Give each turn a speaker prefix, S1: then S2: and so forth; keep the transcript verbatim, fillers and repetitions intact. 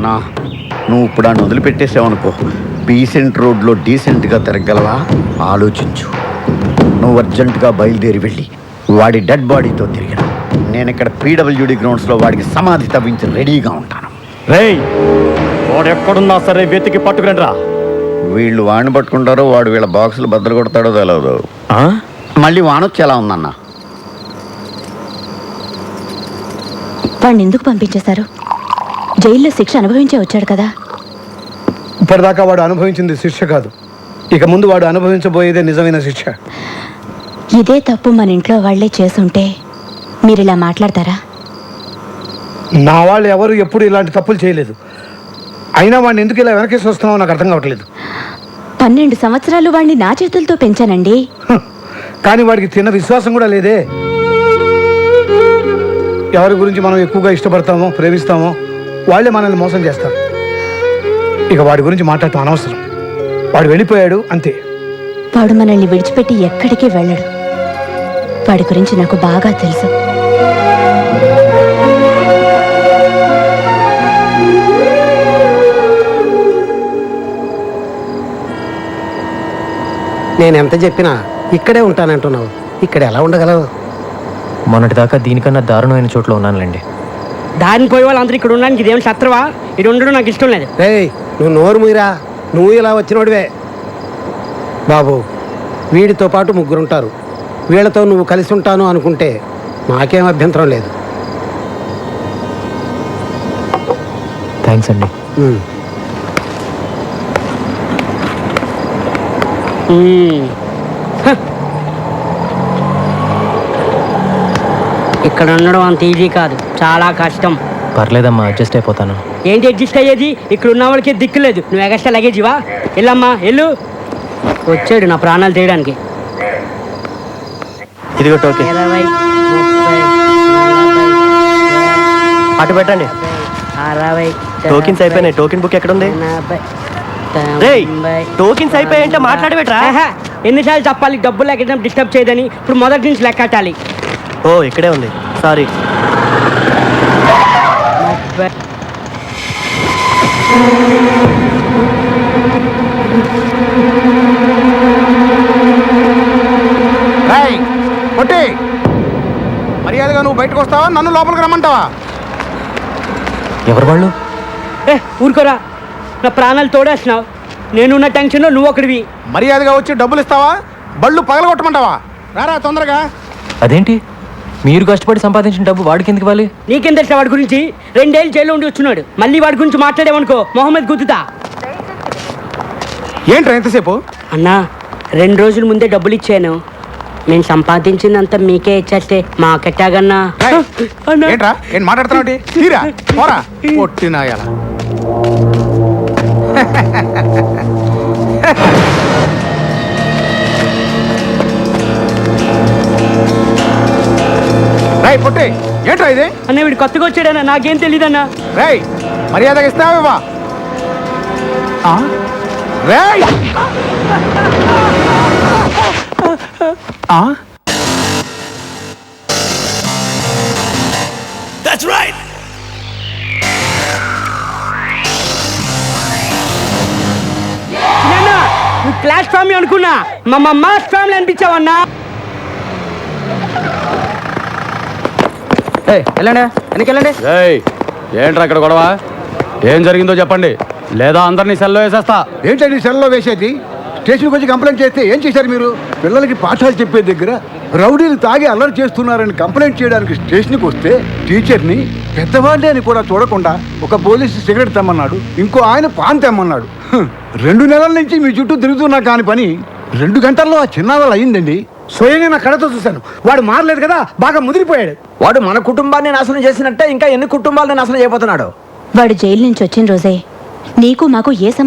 S1: అన్నా నువ్వు ఇప్పుడు ఆయన వదిలిపెట్టేసావనుకో డీసెంట్ రోడ్లో డీసెంట్గా తిరగలవా ఆలోచించు. నువ్వు అర్జెంటుగా బయలుదేరి వెళ్ళి వాడి డెడ్ బాడీతో తిరిగిన నేను ఇక్కడ పీడబ్ల్యూడి గ్రౌండ్స్లో వాడికి సమాధి తవ్వించి రెడీగా ఉంటాను.
S2: రేయ్ వాడు ఎక్కడున్నా సరే వెతికి పట్టుకుని రా.
S1: వీళ్ళు వాడిని పట్టుకుంటారో వాడు వీళ్ళ బాక్సులు బద్దలు కొడతాడో తెలియదు. మళ్ళీ వానొచ్చి ఎలా ఉందన్న?
S3: వాడిని ఎందుకు పంపించేశారు? జైల్లో శిక్ష అనుభవించే వచ్చాడు కదా.
S4: ఇప్పటిదాకా వాడు అనుభవించింది శిక్ష కాదు, ఇక ముందు వాడు అనుభవించబోయేదే నిజమైన శిక్ష.
S3: ఇదే తప్పు మన ఇంట్లో వాళ్లే చేసుంటే మీరు ఇలా మాట్లాడతారా?
S4: నా వాళ్ళు ఎవరు ఎప్పుడు ఇలాంటి తప్పులు చేయలేదు. అయినా వాడిని ఎందుకు ఇలా వెనకేసి వస్తున్నావో నాకు అర్థం కావట్లేదు.
S3: పన్నెండు సంవత్సరాలు వాడిని నా చేతులతో పెంచానండి.
S4: కానీ వాడికి తిన్న విశ్వాసం కూడా లేదే. ఎవరి గురించి మనం ఎక్కువగా ఇష్టపడతామో ప్రేమిస్తామో వాళ్ళే మనల్ని మోసం చేస్తారు. ఇక వాడి గురించి మాట్లాడటం అనవసరం. వాడు వెళ్ళిపోయాడు అంతే.
S3: వాడు మనల్ని విడిచిపెట్టి ఎక్కడికి వెళ్ళడు. వాడి గురించి నాకు బాగా తెలుసు.
S5: నేను ఎంత చెప్పినా ఇక్కడే ఉంటానంటున్నావు, ఇక్కడ ఎలా ఉండగలవు?
S2: మొన్నటిదాకా దీనికన్నా దారుణమైన చోట్ల ఉన్నానులేండి.
S6: దారిని పోయే వాళ్ళు అందరూ ఇక్కడ ఉండడానికి ఇదేం శత్రువా? ఇది ఉండడం నాకు ఇష్టం లేదు.
S5: రేయ్ నువ్వు నోరు మూయరా, నువ్వు ఇలా వచ్చినోడివే. బాబు వీడితో పాటు ముగ్గురుంటారు, వీళ్ళతో నువ్వు కలిసి ఉంటాను అనుకుంటే నాకేం అభ్యంతరం లేదు.
S2: థ్యాంక్స్ అండి.
S5: ఉమ్.
S6: ఇక్కడ ఉండడం అంత ఈజీ కాదు, చాలా కష్టం.
S2: పర్లేదమ్మా, అడ్జస్ట్ అయిపోతాను.
S6: ఏంటి అడ్జస్ట్ అయ్యేది? ఇక్కడ ఉన్న వాళ్ళకి దిక్కు లేదు. నువ్వు ఎగస్ట్రా లగేజివా? వెళ్ళమ్మా వెళ్ళు. వచ్చాడు నా ప్రాణాలు తీయడానికి.
S2: ఇదిగో టోకెన్.
S6: ఇరవై ముప్పై
S2: అటు పెట్టండి.
S6: అరవై
S2: టోకెన్స్ అయిపోయినాయి. టోకెన్ బుక్ ఎక్కడ ఉంది? రేయ్ టోకెన్స్ అయిపోయాయంటే మాట్లాడబెట్రా.
S6: ఎన్నిసార్లు చెప్పాలి డబ్బులు ఎక్కడ డిస్టర్బ్ చేయదని? ఇప్పుడు మొదటి నుంచి లెక్కటాలి.
S2: ఓ ఇక్కడే ఉంది, సారీ.
S4: పొట్టి మర్యాదగా నువ్వు బయటకు వస్తావా, నన్ను లోపలికి రమ్మంటావా?
S2: ఎవరు వాళ్ళు?
S6: ఏ ఊరుకోరా, నా ప్రాణాలు తోడేస్తున్నావు. నేనున్న టెన్షన్లో నువ్వు ఒకటివి.
S4: మర్యాదగా వచ్చి డబ్బులు ఇస్తావా, బళ్ళు పగలగొట్టమంటావా? రారా తొందరగా.
S2: అదేంటి మీరు కష్టపడి సంపాదించిన డబ్బు వాడికి ఎందుకు ఇవ్వాలి?
S6: నీకేం తెలుసా వాడి గురించి? రెండేళ్ళు జైల్లో ఉండి వచ్చున్నాడు. మళ్ళీ వాడి గురించి మాట్లాడేవనుకో మొహమ్మద్ గుద్దుతా.
S4: ఏంట్రా ఎంతసేపు?
S6: అన్నా రెండు రోజుల ముందే డబ్బులు ఇచ్చాను. నేను సంపాదించిందంతా మీకే ఇచ్చేస్తే మాకెట్టాగన్నా.
S4: ఏంట్రా ఏం మాట్లాడుతున్నావు? తీరా పోరా పొట్టినాయాల. రై పొట్టి ఏంట్రా ఇది?
S6: అన్న వీడు కొత్తగా వచ్చాడన్నా, నాకేం తెలీదన్నా.
S4: రై మర్యాదగా ఇస్తావా? రై
S7: That's right.
S6: నువ్వు క్లాస్ ఫ్యామిలీ అనుకున్నా, మా మాస్ ఫ్యామిలీ అనిపించావన్నా.
S2: వెళ్ళండి వెనకెళ్ళండి.
S8: ఏంట్రా ఇక్కడ గొడవ? ఏం జరిగిందో చెప్పండి, లేదా అందరినీ సెల్లో వేసేస్తా.
S4: ఏంటండి సెల్లో వేసేది? స్టేషన్కి వచ్చి కంప్లైంట్ చేస్తే ఏం చేశారు మీరు? పిల్లలకి పాఠాలు చెప్పే దగ్గర రౌడీలు తాగి అల్లరి చేస్తున్నారని కంప్లైంట్ చేయడానికి స్టేషన్కి వస్తే టీచర్ని పెద్దవాళ్ళే అని కూడా చూడకుండా ఒక పోలీసు సిగరెట్ తెమ్మన్నాడు, ఇంకో ఆయన పాన్ తెమ్మన్నాడు. రెండు నెలల నుంచి మీ చుట్టూ తిరుగుతున్నా కాని పని రెండు గంటల్లో ఆ చిన్నావాళ్ళు అయిందండి. స్వయంగా నా కళ్ళతో చూశాను. వాడు మారలేదు కదా, బాగా ముదిరిపోయాడు.
S5: వాడు మన కుటుంబాన్ని నాశనం చేసినట్టే ఇంకా ఎన్ని కుటుంబాలను నాశనం చేయబోతున్నాడు?
S3: వాడు జైలు నుంచి వచ్చిన రోజే నీకు మాకు ఏ